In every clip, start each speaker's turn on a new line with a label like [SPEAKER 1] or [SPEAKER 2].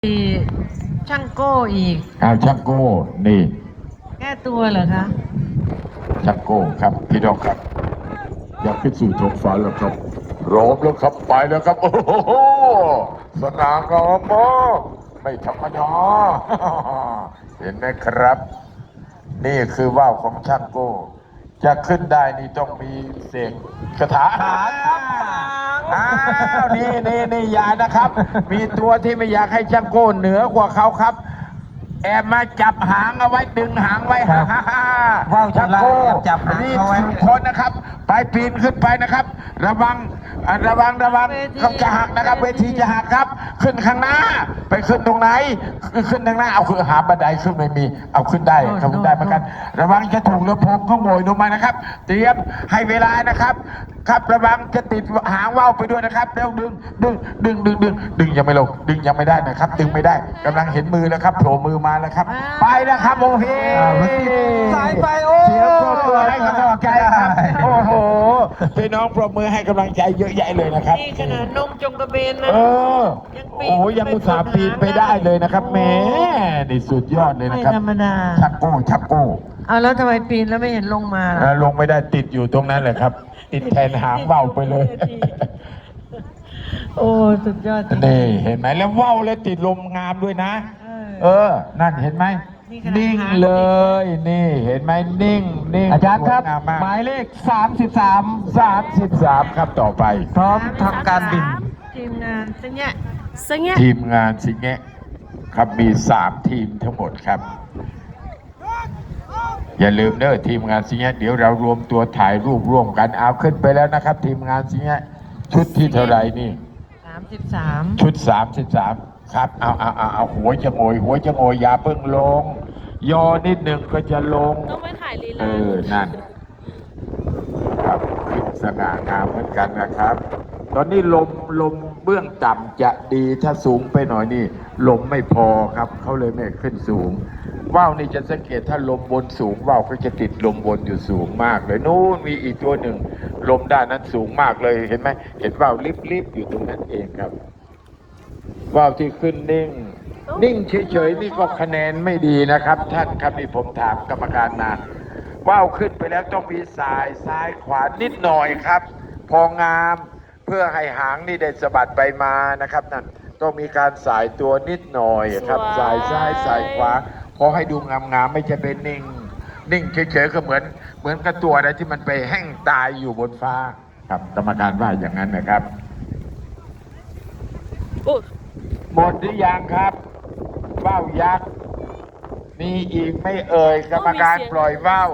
[SPEAKER 1] ช่างโก้อีก
[SPEAKER 2] ช่างโก้นี่
[SPEAKER 1] แก้ตัวเหรอคะ
[SPEAKER 2] ช่างโก้ครับพี่น้องครับอยากขึ้นสู่ท้องฟ้าแล้วครับพร้อมแล้วครับไปแล้วครับโอ้โหสง่างามมากไม่ธรรมดาเห็นไหมครับนี่คือว่าวของช่างโก้จะขึ้นได้นี่ต้องมีเสกคาถานี่อย่านะครับมีตัวที่ไม่อยากให้ช่างโก้เหนือกว่าเขาครับแอบมาจับหางเอาไว้ดึงหางไว้
[SPEAKER 3] ว่าวช่างโก้จับหางเอาไว้
[SPEAKER 2] คนนะครับไปปีนขึ้นไปนะครับระวังเขาจะหักนะครับเวทีจะหักครับขึ้นข้างหน้าไปขึ้นตรงไหนขึ้นทางหน้าเอาคือหาบันไดขึ้นไม่มีเอาขึ้นได้เขาขึ้นได้เหมือนกันระวังจะถูกเรือพงเขาโวยลงมานะครับเตรียมให้เวลานะครับครับระวังจะติดหางว่าวไปด้วยนะครับแล้วดึงยังไม่ลงดึงยังไม่ได้นะครับดึงไม่ได้กำลังเห็นมือแล้วครับโผล่มือมาแล้วครับไปแล้วครับโอเค
[SPEAKER 3] สายไปโอ้
[SPEAKER 2] เสียงปรบมือให้กำลังใจครับโอ้โหพี่น้องปรบมือให้กำลังใจเยอะแยะเลยนะครับ
[SPEAKER 1] นี่ขนาดนมจงกระเบนนะ
[SPEAKER 2] โอ้ยังอุตส่าห์ปีนไปได้เลยนะครับแหมนี่สุดยอดเลยนะครับ
[SPEAKER 1] ไม่ธรรมดา
[SPEAKER 2] ชักโก้
[SPEAKER 1] เอาแล้วทำไมปีนแล้วไม่เห็นลงมาล่ะ
[SPEAKER 2] ลงไม่ได้ติดอยู่ตรงนั้นเลยครับติดแทนหางว่าวไปเลย
[SPEAKER 1] โอ้สุดยอด
[SPEAKER 2] นี่เห็นไหมแล้วว่าวแล้วติดลมงามด้วยนะนั่นเห็นไหมนิ่งเลยนี่เห็นไหมนิ่ง
[SPEAKER 3] อาจารย์ครับหมายเลข33
[SPEAKER 2] ครับต่อไป
[SPEAKER 3] พร้อมทำการบิน
[SPEAKER 1] ทีมงานสิง
[SPEAKER 2] แงะครับมี3ทีมทั้งหมดครับอย่าลืมเด้อทีมงานสิงแงะเดี๋ยวเรารวมตัวถ่ายรูปร่วมกันเอาขึ้นไปแล้วนะครับทีมงานสิงแงะชุดที่เท่าไหร่นี่
[SPEAKER 1] 33
[SPEAKER 2] ชุด33ครับเอาหัวจะโงยอย่าเพิ่งลงยอนิดหนึ่งก็จะลง
[SPEAKER 4] ต้องไปถ่ายลีลา
[SPEAKER 2] นั่นครับขึ้นสง่างามเหมือนกันนะครับตอนนี้ลมเบื้องต่ำจะดีถ้าสูงไปหน่อยนี่ลมไม่พอครับเขาเลยไม่ขึ้นสูงว่าวนี่จะสังเกตถ้าลมบนสูงว่าวก็จะติดลมบนอยู่สูงมากเลยนู่นมีอีกตัวหนึ่งลมด้านนั้นสูงมากเลยเห็นไหมเห็นว่าวลิบอยู่ตรงนั้นเองครับว่าวที่ขึ้นนิ่งเฉยๆนี่ก็คะแนนไม่ดีนะครับท่านครับนี่ผมถามกรรมการมาว่าวขึ้นไปแล้วต้องมีซ้ายขวานิดหน่อยครับพองามเพื่อให้หางนี่ได้สะบัดไปมานะครับนั่นต้องมีการสายตัวนิดหน่อยครับสายซ้ายสายขวาพอให้ดูงามไม่จะเป็นนิ่งเฉยๆก็เหมือนกับตัวอะไรที่มันไปแห้งตายอยู่บนฟ้าครับกรรมการว่าอย่างนั้นนะครับหมดหรือยังครับว่าวยักษ์มีอีกไม่เอ่ยกรรมการปล่อยว่าว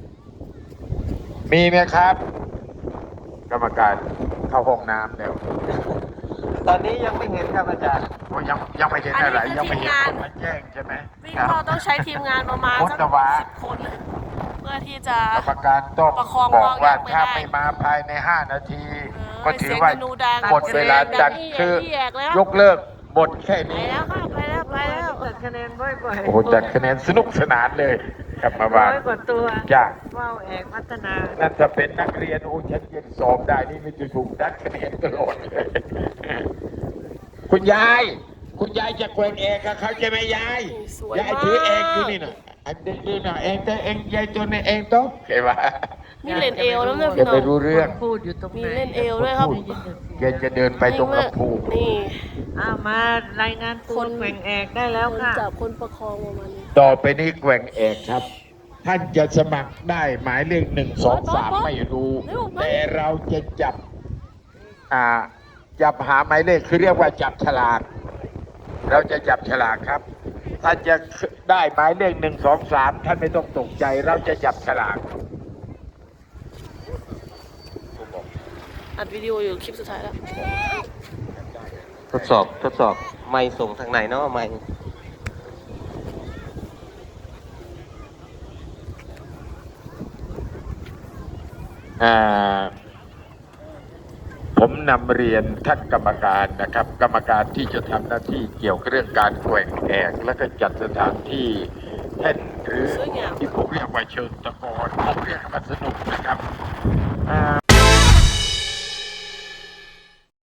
[SPEAKER 2] มีไหมครับกรรมการเข้าห้องน้ำแล้ว
[SPEAKER 3] ตอนนี้ยังไม่เห็นครับอาจารย์
[SPEAKER 2] ยังไม่เห็นอะไรยังไม่เห็นคนมาแจ้งใช่ไหม
[SPEAKER 4] เราต้องใช้ทีมงานประมาณสัก10 คนเพื่อที่จะ
[SPEAKER 2] กรรมการต้องบอกว่าถ้าไม่มาภายใน5 นาทีก็ถือว่าหมดเวลาจัดคือยกเลิกหมดแค่นี้
[SPEAKER 4] ไปแล้ว
[SPEAKER 1] จัดคะแนนบ่อย
[SPEAKER 2] โอ้จัดคะแนนสนุกสนานเลยครับมาบ้าน
[SPEAKER 1] 100 กว่าตัว
[SPEAKER 2] จ้า
[SPEAKER 1] ว่าวเอกพัฒนา
[SPEAKER 2] นั่นจะเป็นนักเรียนฉันยังสอบได้นี่ไม่จะถูกดัดคะแนนตลอดเลยคุณยายจะแกว่งเอกกับเขาใช่ไหมยายถือเอกอยู่นี่นะอันนี้นะเองแต่เองยายจนเองโต๊ะเห็นไหม
[SPEAKER 4] มีเล่นเอวแล้วเนี่ย
[SPEAKER 2] พี่น้องไปรู้เรื่อง
[SPEAKER 1] พูดอยู่ตรง
[SPEAKER 4] มีเล่นเอวด้วยครับ
[SPEAKER 2] แกจะเดินไปตรงกระพู
[SPEAKER 4] นี่
[SPEAKER 1] มารายงานคนแกว่งเอกได้แล้วค่ะ
[SPEAKER 4] จับคนประคองประมาณนี้
[SPEAKER 2] ต่อไปนี้แกว่งเอกครับท่านจะสมัครได้หมายเลข1 2 3ไม่รู้แต่เราจะจับหาหมายเลขคือเรียกว่าจับฉลากเราจะจับฉลากครับท่านจะได้หมายเลข1 2 3ท่านไม่ต้องตกใจเราจะจับฉลาก
[SPEAKER 4] อัดวิดีโออยู่คลิปสุดท้ายแล้ว
[SPEAKER 3] ทดสอบไม่ส่งทางไหนเนาะไม่
[SPEAKER 2] ผมนำเรียนท่านกรรมการนะครับกรรมการที่จะทำหน้าที่เกี่ยวกับเรื่องการแกว่งแอกและก็จัดสถานที่แท่นหรือที่ผมเรียกว่าเชิงตะกอนผมเรียกว่าสนุกนะครับ